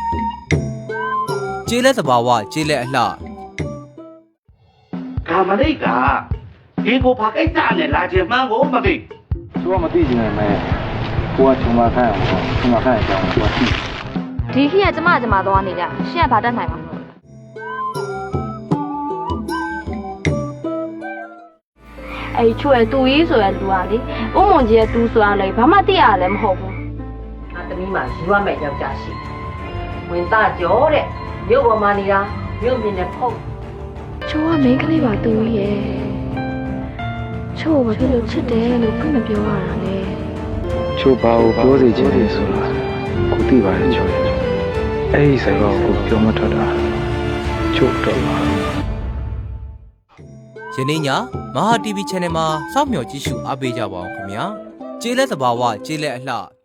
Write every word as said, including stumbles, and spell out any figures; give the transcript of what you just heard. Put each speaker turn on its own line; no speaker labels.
ကျေးလက်သဘာဝကျေးလက်အလှ
ကာမလိတ်ကဒီကိုဘာကိစ္စနဲ့လာခြင်းမှန်းကိုမသိ
သူကမသိချင်တယ်မဲကိုကချုံမခိုင်းအောင်ချုံမခိုင်းအကြောင်းကိုသိ
ဒီခေတ်ကကျမကျမသွားနေတာရှင့်ကဘာတတ်နိုင်မှာမလို့အဲ့ချွဲတူကြီးဆိုရလူကလေဥမွန်ကြီးရဲ့တူဆိုတာလေဘာမှသိရလည်းမဟုတ်ဘူး
ငါသမီးမှာယူရမယ့်ယောက်ျားရှိဝင်သားကြောတဲ့မြို့ပေါ်မှာနေတာမြို့မြင်တဲ့ဖုတ်
ချိုးကမိန်းကလေးပါတူကြီးရဲ့ချိုးဘာဖြစ်လို့ချစ်တယ်လို့ဖွင့်မပြောရတာလဲ
ချိုးဘာကိုပြောစီချင်တယ်ဆိုတာကိုသိပါတယ်ချိုးရဲ့အဲ့ဒီစကားကိုပြောမထွက်တာချိုးတော့ပါ
ယနေ့ညမဟာ တီဗီ channel မှာစောင့်မျှော်ကြည့်ရှုအားပေးကြပါအောင်ခင်ဗျာကျေးလက်သဘာဝကျေးလက်အလှ